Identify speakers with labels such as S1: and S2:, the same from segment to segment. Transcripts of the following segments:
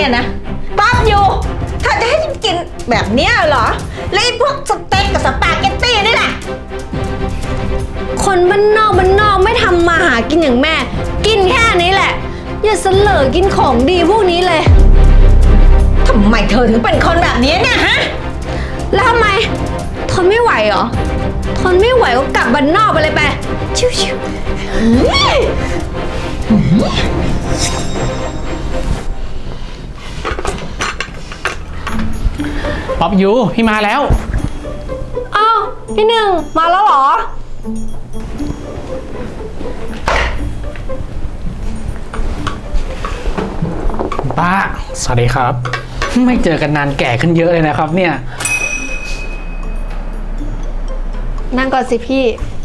S1: เนี่ยนะป๊อบอยู่ถ้าจะให้ฉันกินแบบเนี้ยเหรอแล้วไอ้พวกสเต็กกับสปาเกตตี้นี่แหละ
S2: คนบ้านนอกไม่ทำมาหากินอย่างแม่ กินแค่นี้แหละ อย่าเสลอกินของดีพวกนี้เลย
S1: ทำไมเธอถึงเป็นคนแบบนี้เนี่ยฮะ
S2: แล้วทำไมทนไม่ไหวเหรอทนไม่ไหวก็กลับบ้านนอกไปเลยไปชิว
S3: ป๊อบยูพี่มาแล้ว
S2: ๆอ้าวพี่หนึ่งมาแล้วเหรอ
S3: ป้าสวัสดีครับ ไม่เจอกันนานแก่ขึ้นเยอะเลยนะครับเนี่ย
S2: นั่งก่อนสิพี่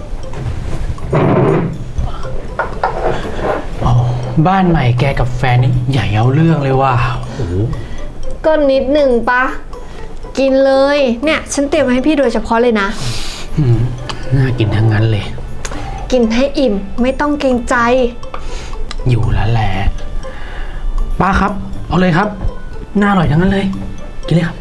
S3: บ้านใหม่แกกับแฟนนี่ใหญ่เอาเรื่องเลยว่ะโอ้โห
S2: ก็นิดหนึ่งปะกินเลยเนี่ยฉันเตรียมมาให้พี่โดยเฉพาะเลยนะ
S3: น่ากินทั้งนั้นเลย
S2: กินให้อิ่มไม่ต้องเกรงใจ
S3: อยู่แล้วแหละป้าครับ เอาเลยครับน่าอร่อยทั้งนั้นเลย กินเลยครับ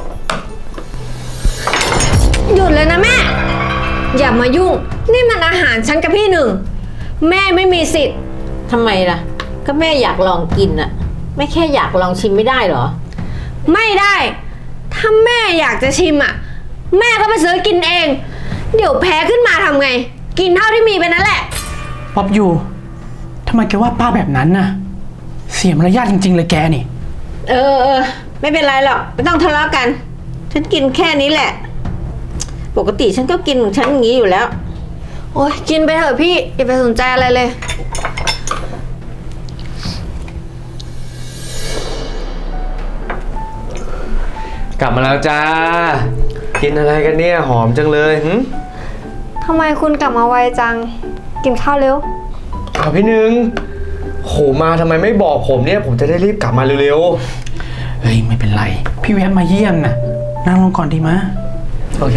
S2: หยุดเลยนะแม่ อย่ามายุ่งนี่มันอาหารฉันกับพี่หนึ่งแม่ไม่มีสิทธิ์
S1: ทำไมล่ะก็แม่อยากลองกินอะไม่แค่อยากลองชิมไม่ได้เหรอ
S2: ไม่ได้ ถ้าแม่อยากจะชิมอ่ะ แม่ก็ไปซื้อกินเอง เดี๋ยวแพ้ขึ้นมาทำไง กินเท่าที่มีไปนั่นแหละ
S3: ป๊อบยูทำไมแกว่าป้าแบบนั้นน่ะ เสียมารยาทจริงๆเลยแกนี่
S1: เออไม่เป็นไรหรอกไม่ต้องทะเลาะกัน ฉันกินแค่นี้แหละ ปกติฉันก็กินของฉันอย่างนี้อยู่แล้ว
S2: โอ๊ยกินไปเถอะพี่อย่าไปสนใจอะไรเลย
S4: กลับมาแล้วจ้า กินอะไรกันเนี่ยหอมจังเลยหึ
S2: ทำไมคุณกลับมาไวจัง กินข้าวเร็ว
S4: อ้าวพี่หนึ่งโหมาทำไมไม่บอกผมเนี่ยผมจะได้รีบกลับมาเร็ว
S3: เฮ้ยไม่เป็นไร พี่แวะมาเยี่ยมน่ะนั่งลงก่อนดีมะ
S4: ๆโอเค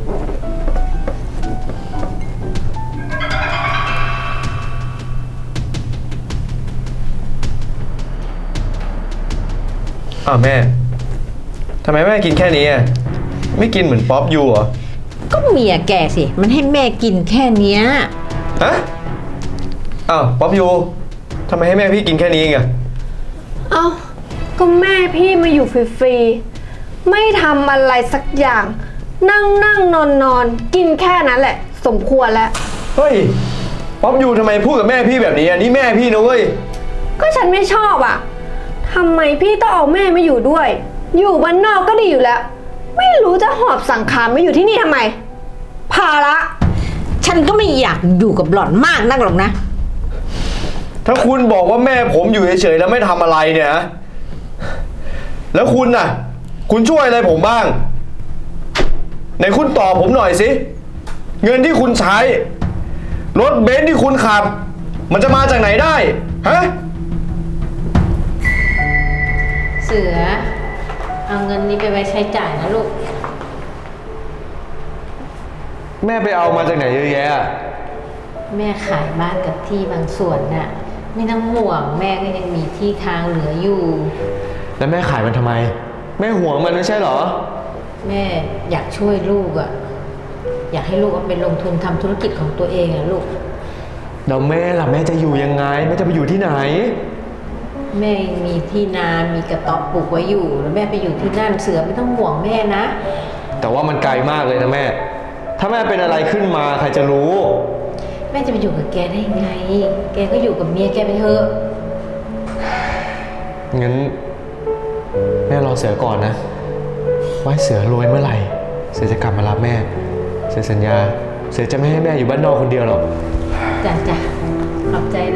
S4: อ้าวแม่ทำไมแม่กินแค่นี้อ่ะไม่กินเหมือนป๊อปยูเหรอ
S1: ก็เมียแกสิ มันให้แม่กินแค่เนี้ย
S4: ฮะอ้าวป๊อปยูทำไมให้แม่พี่กินแค่นี้เองอะ
S2: เอ้าก็แม่พี่มาอยู่ฟรีๆไม่ทำอะไรสักอย่าง นั่งนอนกินแค่นั้นแหละ สมควรแล้ว
S4: เฮ้ยป๊อปยูทำไมพูดกับแม่พี่แบบนี้อ่ะนี่แม่พี่นะเว้ย
S2: ก็ฉันไม่ชอบอ่ะทำไมพี่ต้องเอาแม่มาอยู่ด้วย อยู่บ้านนอกก็ดีอยู่แล้ว ไม่รู้จะหอบสังขารมาอยู่ที่นี่ทำไม ภาระ
S1: ฉันก็ไม่อยากอยู่กับหล่อนมากนักหรอกนะ
S4: ถ้าคุณบอกว่าแม่ผมอยู่เฉยๆแล้วไม่ทำอะไรเนี่ยนะแล้วคุณน่ะ คุณช่วยอะไรผมบ้างไหนคุณตอบผมหน่อยสิเงินที่คุณใช้รถเบนซ์ที่คุณขับ มันจะมาจากไหนได้ฮะ
S1: เสือ เอาเงินนี้ไปไว้ใช้จ่ายนะลูก
S4: แม่ไปเอามาจากไหนเยอะแยะ
S1: แม่ขายบ้านกับที่บางส่วนน่ะ ไม่ต้องห่วงแม่ก็ยังมีที่ทางเหลืออยู่
S4: แล้วแม่ขายมันทำไมแม่ห่วงมันไม่ใช่เหรอ
S1: แม่อยากช่วยลูกอ่ะ อยากให้ลูกเอาไปลงทุนทำธุรกิจของตัวเองอ่ะลูก
S4: แล้วแม่ล่ะแม่จะอยู่ยังไงแม่จะไปอยู่ที่ไหน
S1: แม่มีที่นา มีกระต๊อบปลูกไว้อยู่ แล้วแม่ไปอยู่ที่นั่นเสือไม่ต้องห่วงแม่นะ
S4: แต่ว่ามันไกลมากเลยนะแม่ ถ้าแม่เป็นอะไรขึ้นมาใครจะรู้
S1: แม่จะไปอยู่กับแกได้ไง แกก็อยู่กับเมียแกไปเถอะ
S4: งั้นแม่รอเสือก่อนนะ ไว้เสือรวยเมื่อไหร่ เสือจะกลับมารับแม่ เสือสัญญา เสือจะไม่ให้แม่อยู่บ้านนอกคนเดียวหรอก
S1: จ้ะขอบใจนะ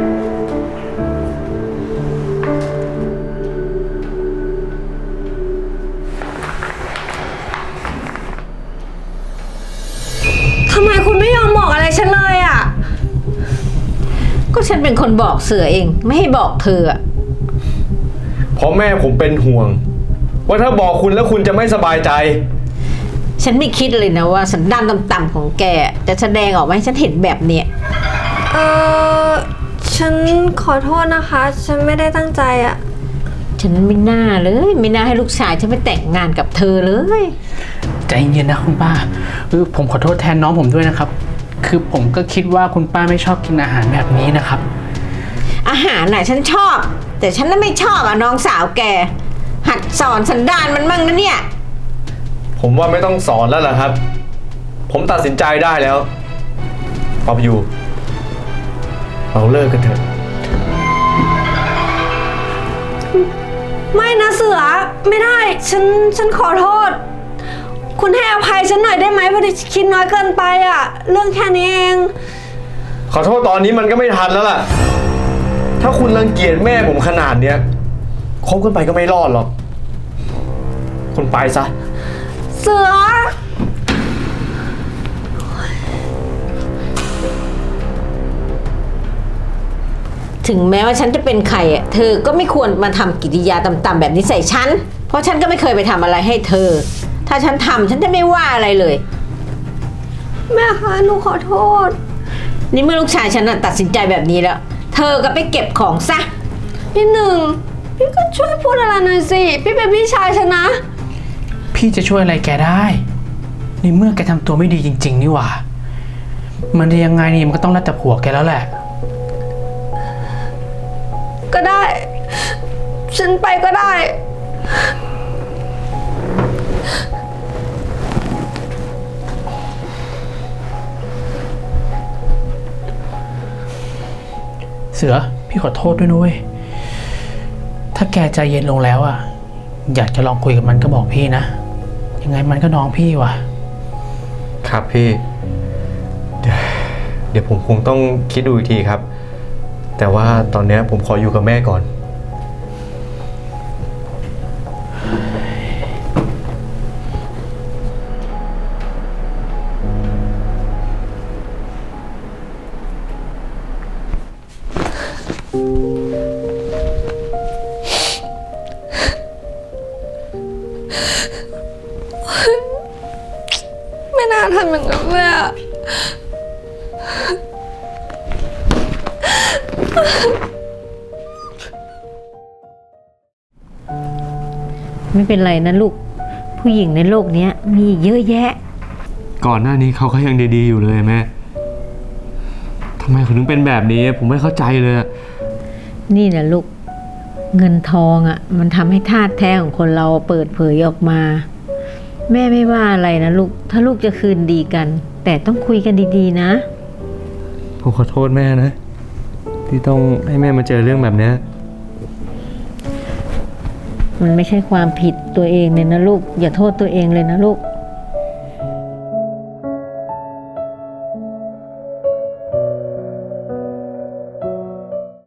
S2: ทำไมคุณไม่ยอมบอกอะไรฉันเลยอ่ะ
S1: ก็ฉันเป็นคนบอกเสือเอง ไม่ให้บอกเธออะ
S4: เพราะแม่ผมเป็นห่วง ว่าถ้าบอกคุณแล้วคุณจะไม่สบายใจ
S1: ฉันไม่คิดเลยนะว่าสันดานต่ำๆของแกจะแสดงออกมาให้ฉันเห็นแบบเนี้ย
S2: ฉันขอโทษนะคะ ฉันไม่ได้ตั้งใจอ่ะ
S1: ฉันไม่น่าเลย ไม่น่าให้ลูกชายฉันไปแต่งงานกับเธอเลย
S3: ใจเย็นนะคุณป้าผมขอโทษแทนน้องผมด้วยนะครับ คือผมก็คิดว่าคุณป้าไม่ชอบกินอาหารแบบนี้นะครับ
S1: อาหารน่ะฉันชอบ แต่ฉันน่ะไม่ชอบน้องสาวแก หัดสอนสันดานมันมั่งนะเนี่ย
S4: ผมว่าไม่ต้องสอนแล้วล่ะครับ ผมตัดสินใจได้แล้วป๊อปยูเราเลิกกันเถอะ
S2: ไม่นะเสือไม่ได้ฉันขอโทษ คุณให้อภัยฉันหน่อยได้ไหมพอดีคิดน้อยเกินไปอะเรื่องแค่นี้เอง
S4: ขอโทษตอนนี้มันก็ไม่ทันแล้วล่ะ ถ้าคุณรังเกียจแม่ผมขนาดเนี้ยคบกันไปก็ไม่รอดหรอก คุณไปซะ
S2: เสือ
S1: ถึงแม้ว่าฉันจะเป็นใครอ่ะเธอก็ไม่ควรมาทำกิริยาต่ำๆแบบนี้ใส่ฉัน เพราะฉันก็ไม่เคยไปทำอะไรให้เธอ ถ้าฉันทำฉันจะไม่ว่าอะไรเลย
S2: แม่คะหนูขอโทษ
S1: นี่เมื่อลูกชายฉันน่ะตัดสินใจแบบนี้แล้ว เธอก็ไปเก็บของซะ
S2: พี่หนึ่งพี่ก็ช่วยพูดอะไรหน่อยสิพี่เป็นพี่ชายฉันนะ
S3: พี่จะช่วยอะไรแกได้ในเมื่อแกทำตัวไม่ดีจริงๆนี่หว่า มันจะยังไงนี่มันก็ต้องรัดแต่ผัวแกแล้วแหละ
S2: ก็ได้ ฉันไปก็ได้
S3: เสือพี่ขอโทษด้วยนุ้ยถ้าแกใจเย็นลงแล้วอ่ะอยากจะลองคุยกับมันก็บอกพี่นะยังไงมันก็น้องพี่ว่ะ
S4: ครับพี่ เดี๋ยวผมคงต้องคิดดูอีกทีครับ แต่ว่าตอนนี้ผมขออยู่กับแม่ก่อน
S2: ไม่น่าทำอย่างนั้นเลยอะ
S1: ไม่เป็นไรนะลูก ผู้หญิงในโลกนี้มีเยอะแยะ
S4: ก่อนหน้านี้เขาก็ยังดีๆอยู่เลยแม่ทำไมเขาถึงเป็นแบบนี้ ผมไม่เข้าใจเลย
S1: นี่นะลูก เงินทองอ่ะ มันทำให้ธาตุแท้ของคนเราเปิดเผยออกมา แม่ไม่ว่าอะไรนะลูก ถ้าลูกจะคืนดีกัน แต่ต้องคุยกันดีๆนะ
S4: ผมขอโทษแม่นะ ที่ต้องให้แม่มาเจอเรื่องแบบนี้
S1: มันไม่ใช่ความผิดตัวเองเลยนะลูก อย่าโทษตัวเองเลยนะลูก